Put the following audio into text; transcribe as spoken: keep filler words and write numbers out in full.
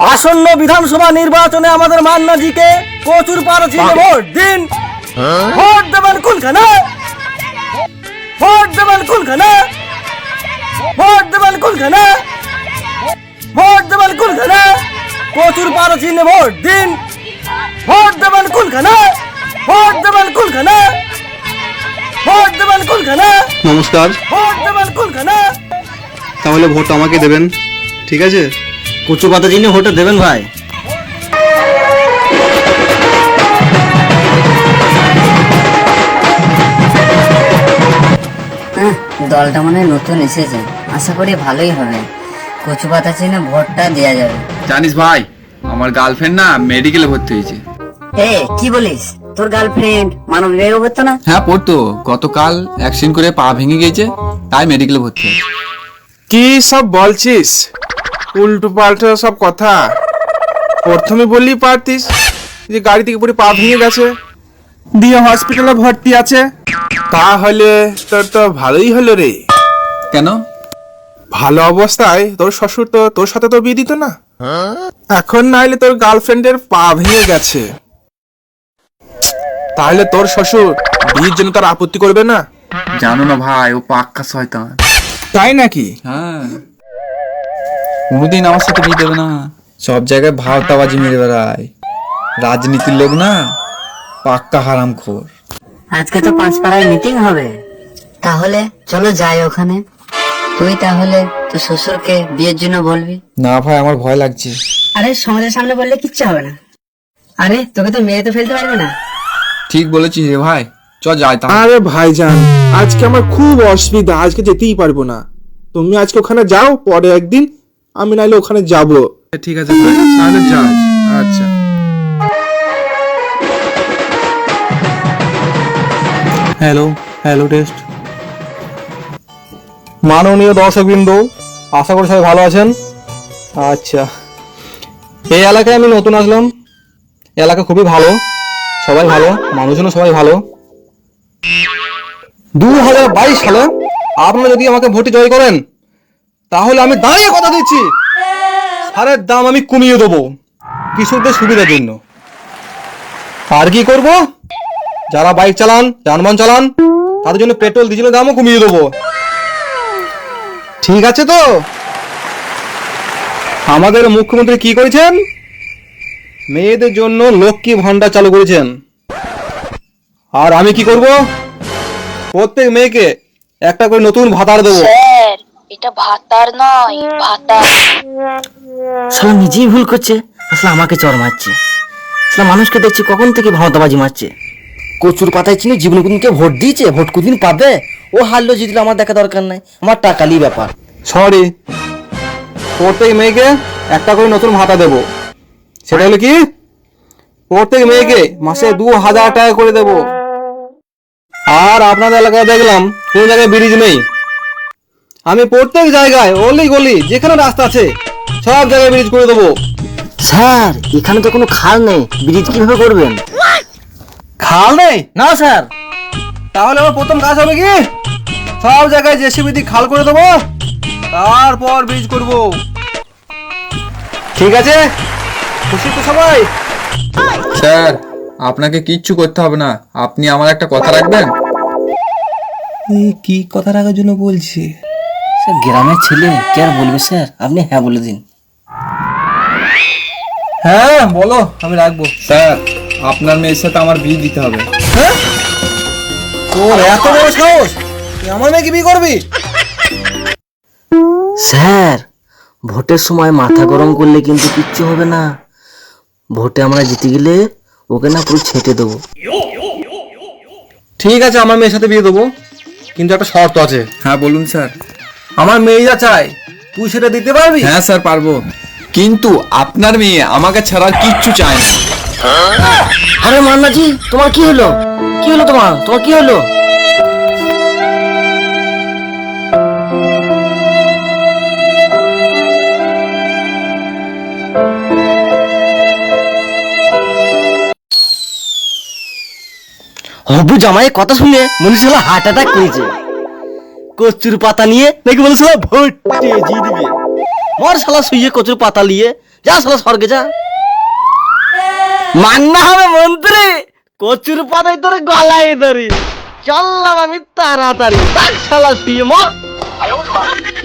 আসন্ন বিধানসভা নির্বাচনে আমাদের মান্নাজিকে প্রচুর পারছিনে ভোট দিন। ভোট দেবেন কোনখানে? ভোট দেবেন কোনখানে? ভোট দেবেন কোনখানে? ভোট দেবেন কোনখানে? প্রচুর পারছিনে ভোট দিন। ভোট দেবেন কোনখানে? ভোট দেবেন কোনখানে? ভোট দেবেন কোনখানে? নমস্কার। ভোট দেবেন কোনখানে? তাহলে ভোট আমাকে দেবেন, ঠিক আছে? কচু পাতা চিনে ভোটটা দেবেন ভাই। দলটা মনে হয় নতুন এসেছে, আশা করি ভালোই হবে। কচু পাতা চিনে ভোটটা দেওয়া যাবে। জানিস ভাই, আমার গার্লফ্রেন্ড না মেডিকেলে ভর্তি হয়েছে। এ কি বলিস? তোর গার্লফ্রেন্ড মানব বিভাগে পড়তো না? হ্যাঁ পড়তো, গতকাল অ্যাক্সিডেন্ট করে পা ভেঙে গিয়েছে, তাই মেডিকেলে ভর্তি হয়েছে। কি সব বলছিস? উল্টো পাল্টা সব কথা। প্রথমে বললি পারতিস যে গাড়ি থেকে পুরো পা ভেঙে গেছে, দিয়ে হসপিটালে ভর্তি আছে। তাহলে তোর তো ভালোই হলো রে। কেন? ভালো অবস্থায় তোর শ্বশুর তো তোর সাথে তো বিয়ে দিত না। এখন না হলে তোর গার্লফ্রেন্ডের পা ভেঙে গেছে, তাহলে তোর শ্বশুর বিয়ের জন্য তার আপত্তি করবে না? জানো না ভাই, ও পাক্কা শয়তান। তাই নাকি? হ্যাঁ, কোনোদিন আমার সাথে বিয়ে দেবে না। সব জায়গায় ভাওতাবাজি মেরে বেড়ায়, রাজনীতির লোক না, পাক্কা হারামখোর। আজকে তো পাঁচপাড়ায় মিটিং হবে, তাহলে চলো যাই ওখানে। তুই তাহলে তোর শ্বশুরকে বিয়ের জন্য বলবি? না ভাই, আমার ভয় লাগছে। আরে সমাজের সামনে বললে কিচ্ছু হবে না। আরে তোকে তো মেয়ে তো ফেলতে পারবে না। ঠিক বলেছিস রে ভাই, চ যাই তাহলে। আরে ভাইজান, আজকে আমার খুব অসুবিধা, আজকে যেতেই পারবো না। তুমি আজকে ওখানে যাও, পরে একদিন আমি নাইলে ওখানে যাব। ঠিক আছে ভাই, তাহলে যাও। আচ্ছা। Hello hello test. মাননীয় দর্শকবৃন্দ, আশা করি সবাই ভালো আছেন। আচ্ছা, এই এলাকায় আমি নতুন আসলাম। এলাকা খুবই ভালো, সবাই ভালো, মানুষজনও সবাই ভালো। দু হাজার বাইশ সালে আপনারা যদি আমাকে ভোটে জয় করেন, তাহলে আমি দাঁড়িয়ে কথা দিচ্ছি, সারের দাম আমি কমিয়ে দেবো কৃষকদের সুবিধার জন্য। আর কি করব? যারা বাইক চালান, যানবাহন চালান, তাদের জন্য পেট্রোল ডিজেলের দামও কমিয়ে দেবো। ঠিক আছে তো? আমাদের মুখ্যমন্ত্রী কি করেছেন? মেয়েদের জন্য লক্ষ্মী ভান্ডার চালু করেছেন। আর আমি কি করব? প্রত্যেক মেয়েকে একটা করে নতুন ভাতার দেবো। স্যার, এটা ভাতার নয়, ভাতা। শালা নিজেই ভুল করছে, আসলে আমাকে চর মারছে। আসলে মানুষকে দেখছি কখন থেকে ভাওতাবাজি মারছে। কচুর পাতায় চিনি জীবনে কোনদিনকে ভোট দিয়েছে? ভোট কোনদিন পাবে? ও হারলো জিতলো আমার দেখা দরকার নাই, আমার টাকালি ব্যাপার। সরি, প্রত্যেক মেয়েকে একটা করে নতুন ভাতা দেবো। সেটা হলো কি, প্রত্যেক মেয়েকে মাসে দু হাজার টাকা করে দেব। আর আপনাদের এলাকায় দেখলাম কোন জায়গায় ব্রিজ নেই, আমি প্রত্যেক জায়গায় অলি গলি যেখানে রাস্তা আছে সব জায়গায় ব্রিজ করে দেবো। স্যার, এখানে তো কোনো খাল নেই, ব্রিজ কিভাবে করবেন? খাল নেই? না স্যার। তাহলে আমার প্রথম কাজ হবে কি, সব জায়গায় জেসিবি দিয়ে খাল করে দেবো, তারপর ব্রিজ করব। ঠিক আছে? খুশি তো সবাই? স্যার, আপনাকে কিচ্ছু করতে হবে না, আপনি আমার একটা কথা রাখবেন। কি কথা রাখার জন্য বলছি? স্যার, গ্রামের ছেলে কি আর বলবে স্যার, আপনি হ্যাঁ বলে দিন। হ্যাঁ বলো, আমি রাখবো। স্যার, আপনার মেয়ের সাথে আমার বিয়ে দিতে হবে। হ্যাঁ? তোর এত বড় সাহস, তুই আমার মেয়েকে বিয়ে করবি? স্যার, ভোটের সময় মাথা গরম করলে কিন্তু কিচ্ছু হবে না। ভোটে আমরা জিতে গেলে ওকে না পুরো ছেটে দেবো। ঠিক আছে, আমার মেয়ের সাথে বিয়ে দেবো, কিন্তু একটা শর্ত আছে। হ্যাঁ বলুন স্যার। আমার মেয়ে যা চাই তুই সেটা দিতে পারবি? হ্যাঁ স্যার, পারবো, কিন্তু আপনার মেয়ে আমাকে ছাড়া কিচ্ছু চায় না। আরে মান্নাজি, তোমার কি হলো? কি হলো তোমার? তোমার কি হলো? হবু জামাই কথা শুনে মনে হচ্ছিল হার্ট অ্যাটাক করেছে। কচুর পাতা নিয়ে নাকি বলেছিল ভোট দিয়ে দিবে। মর শালা শুয়ে কচুর পাতা নিয়ে যা শালা স্বর্গে যা। মান্না হবে মন্ত্রী, কচুর পাতায় তোরে গলায় ধরি। চললাম আমি তাড়াতাড়ি, শালা তুই মর।